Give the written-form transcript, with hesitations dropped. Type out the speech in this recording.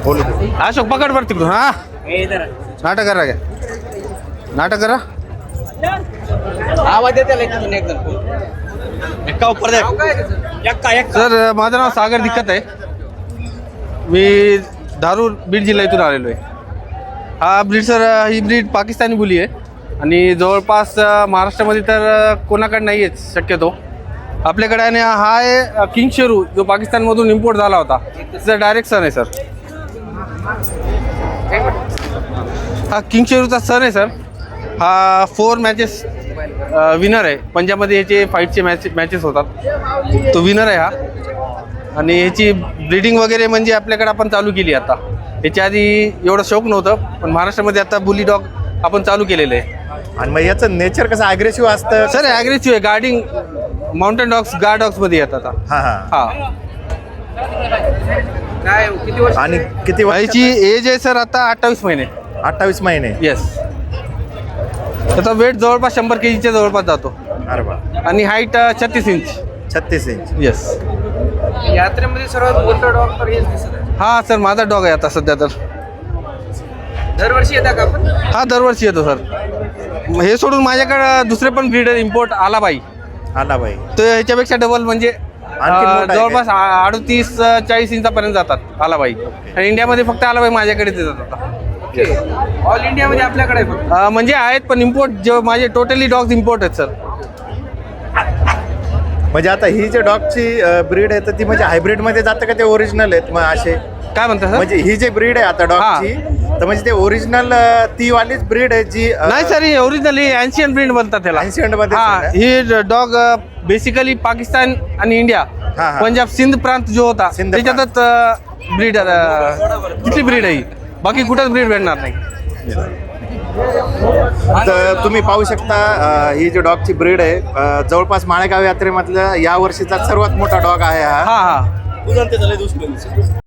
बोलू अशोक पकड बर तिकडून हा नाटक करा काय नाटक करा आवाज येते तिथून एकदम एक्का उपर सर माझं नाव सागर दिक्कत आहे. मी धारूर बीड जिल्ह्यातून आलेलो आहे. हा ब्रीड सर ही ब्रीड पाकिस्तानी बुली आहे आणि जवळपास महाराष्ट्रामध्ये तर कोणाकडे नाही आहे शक्यतो. आपल्याकडे आणि हा आहे किंग शेरू जो पाकिस्तानमधून इम्पोर्ट झाला होता. तिचा डायरेक्ट सन आहे सर. हा किंग शेरूचा सन आहे सर. हा 4 मॅचेस विनर आहे. पंजाबमध्ये याचे फाईटचे मॅचेस होतात. तो विनर आहे हा. आणि ह्याची ब्रीडिंग वगैरे म्हणजे आपल्याकडे आपण चालू केली आता. याच्या आधी एवढं शौक नव्हतं पण महाराष्ट्रामध्ये आता बुली डॉग आपण चालू केलेलं आहे. आणि मग याचं नेचर कसं ॲग्रेसिव्ह असतं सर ॲग्रेसिव्ह आहे. गार्डिंग माउंटेन डॉग्स गार्ड डॉग्समध्ये येतात आता. हां हां हा काय किती वर्ष आणि किती याची एज आहे सर आता 28 महिने. 28 महिने. येस. त्याचा वेट जवळपास 100 kgच्या जवळपास जातो. अरे बा आणि हाईट 36 इंच. 36 इंच. येस. यात्रेमध्ये सर्वात मोठा डॉग तर हेच दिसत आहे. हा सर माझा डॉग आहे आता सध्या तर. दरवर्षी येता का आपण? हा दरवर्षी येतो सर. हे सोडून माझ्याकडे दुसरे पण ब्रीडर इम्पोर्ट आलाबाई. आला बाई. तर ह्याच्यापेक्षा डबल म्हणजे आणखी मोठा आहे जवळपास 38-40 इंचापर्यंत जातात आलाबाई. आणि इंडियामध्ये फक्त आलाबाई माझ्याकडेच येतात आता. ऑल इंडियामध्ये आपल्याकडे आहे फक्त. म्हणजे आहेत पण इम्पोर्ट जे माझे टोटली डॉग्स इम्पोर्ट आहेत सर. म्हणजे आता ही जे डॉगची ब्रीड आहे तर ती म्हणजे हायब्रिड मध्ये जातं का ते ओरिजिनल आहेत मग असे? काय म्हणता सर? म्हणजे ही जे ब्रीड आहे आता डॉगची तर म्हणजे ते ओरिजिनल ती वालीच ब्रीड आहे जी नाही सर ही ओरिजिनल ही एन्शियंट ब्रीड म्हणतात त्याला. Ancient मध्ये हा आहे ही डॉग बेसिकली पाकिस्तान आणि इंडिया हा, हा. पंजाब सिंध प्रांत जो होता सिंध त्याच्यातच ब्रीड तिथली ब्रीड आहे ही. बाकी कुठंच ब्रीड भेटणार नाही. तर तुम्ही पाहू शकता ही जी डॉगची ब्रीड आहे जवळपास माळेगाव यात्रेमधलं या वर्षीचा सर्वात मोठा डॉग आहे हा. हा हा